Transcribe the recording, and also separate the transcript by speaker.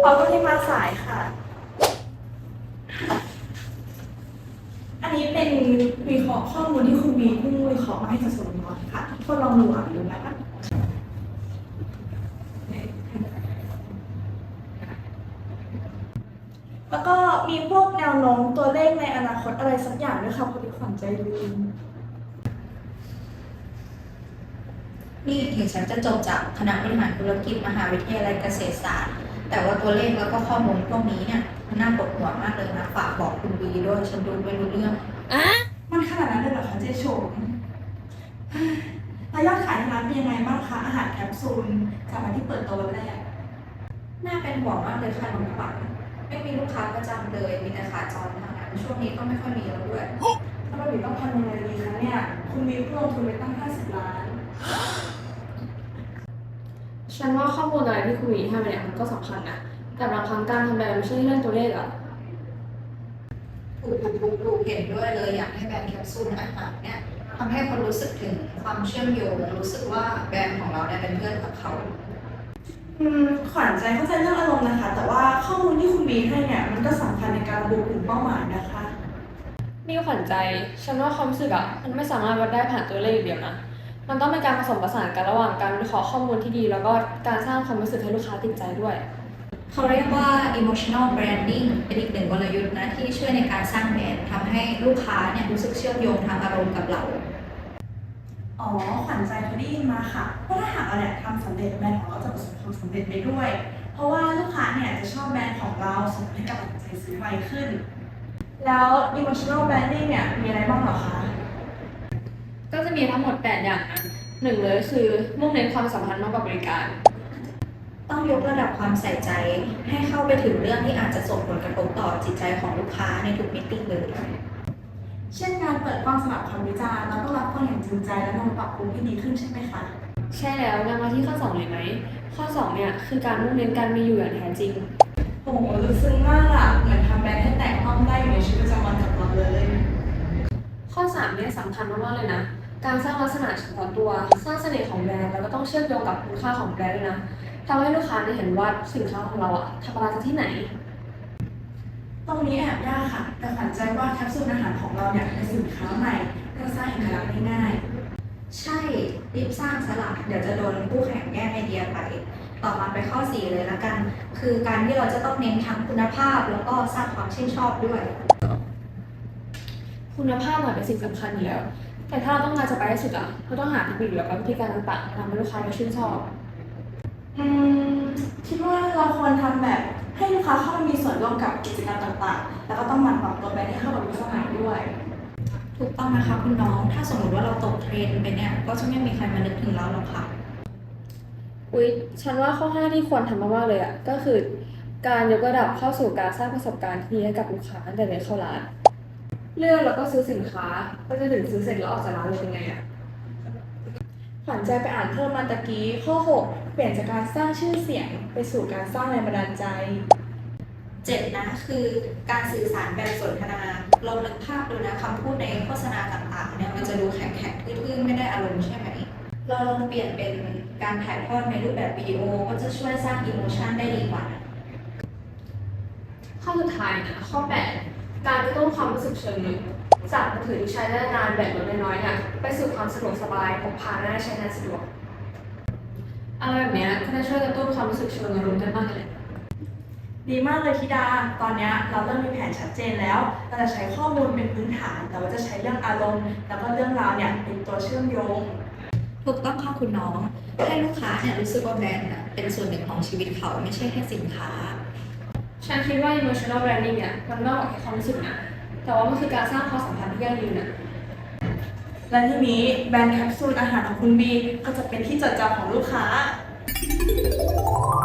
Speaker 1: เราก็ที่มาสายค่ะ อันนี้เป็นวิเคราะห์ข้อมูลที่คุณมีเพิ่งวิเคราะห์มาให้จากส่วนรวมค่ะทดลองดูนะคะ แล้วก็มีพวกแนวโน้มตัวเลขในอนาคตอะไรสักอย่างด้วยค่ะพอดีขวัญใจลืม
Speaker 2: นี่ถึงฉันจะจบจากคณะบริหารธุรกิจมหาวิทยาลัยเกษตรศาสตร์แต่ว่าตัวเลขแล้วก็ข้อมูลพวกนี้เนี่ยมันน่าปวดหัวมากเลยนะฝากบอกคุณบีด้วยฉันดูไม่รู้เรื่อง
Speaker 1: มันขนาดนั้นเลยเหรอคะเจ๊ชมแล้วยอดขายในร้านเป็นยังไงบ้างคะอาหารแคปซูลจากวันที่เปิดตัววันแรก
Speaker 2: น่าเป็นห่วงมากเลยค่ะน้องขวัญไม่มีลูกค้าประจำเลยมีแต่ขาจรทางนั้นช่วงนี้ก็ไม่ค่อยมีแล้วด้วย
Speaker 1: ถ้าเราอยู่ต้องทำยังไงดีคะเนี่ย คุณมีเพิ่มลงทุนไปตั้ง50 ล้าน
Speaker 3: ฉันว่าข้อมูลอะไรที่คุณมีให้มาเนี่ยมันก็สำคัญนะ แต่บางครั้งการทำแบบไม่ใช่เรื่องตัวเลขอะ
Speaker 2: ถูกเห็นด้วยเลยอยากให้แบรนด์แคปซูลอาหารเนี่ยทำให้คนรู้สึกถึงความเชื่อมโยงรู้สึกว่าแบรนด์ของเราเนี่ยเป็นเพื่อนกับเขา
Speaker 1: ขวัญใจเข้าใจเรื่องอารมณ์นะคะ แต่ว่าข้อมูลที่คุณมีให้เนี่ยมันก็สำคัญในการระบุกลุ่มเป้าหมายนะคะ
Speaker 3: มีขวัญใจ ฉันว่าความรู้สึกอะมันไม่สามารถวัดได้ผ่านตัวเลขอย่างเดียวนะ มันต้องเป็นการผสมผสานกันระหว่างการวิเคราะห์ข้อมูลที่ดี แล้วก็การสร้างความรู้สึกให้ลูกค้าติดใจด้วย
Speaker 2: เขาเรียกว่า emotional branding เป็นอีกหนึ่งกลยุทธ์นะที่ช่วยในการสร้างแบรนด์ทำให้ลูกค้าเนี่ยรู้สึกเชื่อมโยงทางอารมณ์กับเรา
Speaker 1: อ๋อ ขวัญใจเคยได้ยินมาค่ะว่าถ้าหากเราเนี่ยทำสำเร็จแบรนด์ของเราจะประสบความสำเร็จไปด้วย เพราะว่าลูกค้าเนี่ยจะชอบแบรนด์ของเราส่งให้กับตัดสินใจซื้อไวขึ้น แล้ว emotional branding เนี่ยมีอะไรบ้างเหรอคะ
Speaker 3: ก็จะมีทั้งหมด 8 อย่างนะหนึ่งเลยคือมุ่งเน้นความสัมพันธ์มากกว่าบริการ
Speaker 2: ต้องยกระดับความใส่ใจให้เข้าไปถึงเรื่องที่อาจจะส่งผลกระทบต่อจิตใจของลูกค้าในทุกมิติเลย
Speaker 1: เช่นการเปิดกว้างสำหรับคำวิจารณ์แล้วก็รับฟังอย่างจริงใจและนำมาปรับปรุงให้ดีขึ้นใช่ไหมคะ
Speaker 3: ใช่แล้วงั้นมาที่ข้อ 2 เลยไหม ข้อ 2 เนี่ยคือการมุ่งเน้นการมีอยู่อย่างแท้จริง
Speaker 1: โอ้โหลึกซึ้งมากอะเหมือนทำแบรนด์ให้แตกต้องได้อยู่ในชีวิตประจำวันกับเราเลย
Speaker 3: ข้อ 3 เนี่ยสำคัญมากๆเลยนะ การสร้างลักษณะเฉพาะตัว สร้างเสน่ห์ของแบรนด์แล้วก็ต้องเชื่อมโยงกับคุณค่าของแบรนด์ด้วยนะทำให้ลูกค้าได้เห็นว่าสินค้าของเราอะทำมาจากที่ไหน
Speaker 1: ตรงนี้แอบยากค่ะ แต่ขวัญใจว่าแคปซูลอาหารของเราเนี่ยเป็นสินค้าใหม่และสร้างเอกลักษณ์ได้ง่าย
Speaker 2: ใช่รีบสร้างสลักเดี๋ยวจะโดนคู่แข่งแย่งไอเดียไป ต่อมาไปข้อ 4 เลยละกัน คือการที่เราจะต้องเน้นทั้งคุณภาพแล้วก็สร้างความชื่นชอบด้วย
Speaker 3: คุณภาพเป็นสิ่งสำคัญอยู่แล้ว แต่ถ้าเราต้องการจะไปให้สุดอะเราต้องหาเทคนิคแล้วก็วิธีการต่างๆทำให้ลูกค้าได้ชื่นชอบ
Speaker 1: อืมคิดว่าเราควรทำแบบให้ลูกค้าเข้ามามีส่วนร่วมกับกิจกรรมต่างๆ แล้วก็ต้องหมั่นปรับตัวแบรนด์ให้เข้ากับยุคสมัยด้วย
Speaker 2: ถูกต้องนะคะคุณน้อง ถ้าสมมติว่าเราตกเทรนด์ไปเนี่ยก็จะไม่มีใครมานึกถึงเราหรอกค่ะ
Speaker 3: อุ๊ย ฉันว่าข้อ 5 ที่ควรทำมากๆเลยอะก็คือการยกระดับเข้าสู่การสร้างประสบการณ์ที่ดีให้กับลูกค้าตั้งแต่เดินเข้าร้าน เลือกแล้วก็ซื้อสินค้าก็จะถึงซื้อเสร็จแล้วออกจากร้านเลยเป็นไงอะ
Speaker 1: ขวัญใจไปอ่านเพิ่มมาตะกี้ข้อ 6 เปลี่ยนจากการสร้างชื่อเสียงไปสู่การสร้างแรงบันดาลใจ
Speaker 2: 7นะคือการสื่อสารแบบสนทนาลองนึกภาพดูนะคำพูดในโฆษณาต่างๆเนี่ยมันจะดูแข็งๆทื่อๆไม่ได้อารมณ์ใช่ไหมเราลองเปลี่ยนเป็นการถ่ายทอดในรูปแบบวิดีโอก็จะช่วยสร้างอิโมชันได้ดีกว่านะ
Speaker 3: ข้อสุดท้ายนะข้อ 8 การกระตุ้นความรู้สึกเชิงลึกจากมือถือที่ใช้ได้นานแบบลดน้อยๆเนี่ยไปสู่ความสะดวกสบายพกพาง่ายใช้งานสะดวกอะไรแบบเนี้ยก็จะช่วยกระตุ้นความรู้สึกเชิงอารมณ์กันบ้างเลย
Speaker 1: ดีมากเลยธิดา ตอนนี้เราเริ่มมีแผนชัดเจนแล้ว เราจะใช้ข้อมูลเป็นพื้นฐาน แต่ว่าจะใช้เรื่องอารมณ์ แล้วก็เรื่องราวเนี่ยเป็นตัวเชื่อมโยง
Speaker 2: ถูกต้องค่ะคุณน้อง ให้ลูกค้าเนี่ยรู้สึกว่าแบรนด์น่ะเป็นส่วนหนึ่งของชีวิตเขาไม่ใช่แค่สินค้า
Speaker 3: ฉันคิดว่า emotional branding เนี่ยมันมากกว่าแค่ความรู้สึกนะ แต่ว่ามันคือการสร้างความสัมพันธ์ที่ยั่งยืนนะ
Speaker 1: และทีนี้แบรนด์แคปซูลอาหารของคุณบีก็จะเป็นที่จดจำของลูกค้า